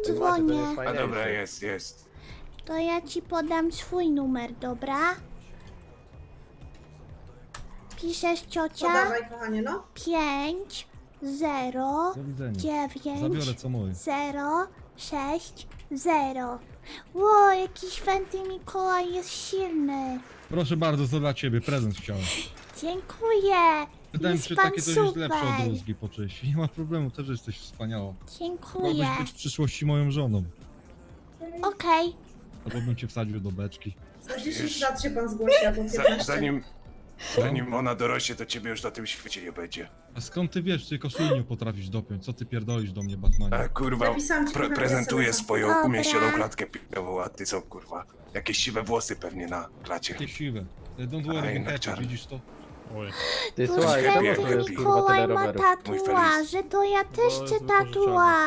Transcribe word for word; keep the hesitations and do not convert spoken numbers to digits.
dzwonię. A dobra, jest, jest. To ja ci podam swój numer, dobra? Piszesz, ciocia? Podawaj, kochanie, no. Pięć, zero, Do widzenia. dziewięć, Zabiorę co moje. zero, sześć, zero. Ło, jaki święty Mikołaj jest silny. Proszę bardzo, to dla ciebie, prezent chciałem. Dziękuję. Pytałem, Jest czy pan takie to jest lepsze od super. rózgi po czyści. Nie ma problemu, też jesteś wspaniała. Dziękuję. Mogłabyś być w przyszłości moją żoną. Okej. Albo bym cię wsadził do beczki. Za dziesięć lat się pan zgłosi, albo Za, piętnaście. zanim, zanim ona dorośnie, to ciebie już na tym świecie nie będzie. A skąd ty wiesz, ty koszuli nie potrafisz dopiąć? Co ty pierdolisz do mnie, Batmanie? A kurwa, Napisałam ci pre na prezentuje es em es a. swoją Dobra. umieśnioną klatkę pieniową, a ty co kurwa? Jakieś siwe włosy pewnie na klacie. Takie siwe. Don't A, worry, jednak happy, czarny. widzisz to? Oj. Ty Tu słuchaj, świetnie, czemu święty tu jest kurwa Mikołaj tyle ma rowerów? Mój tatuaże, to ja też Bo chcę jest wypożyczony. tatuaż.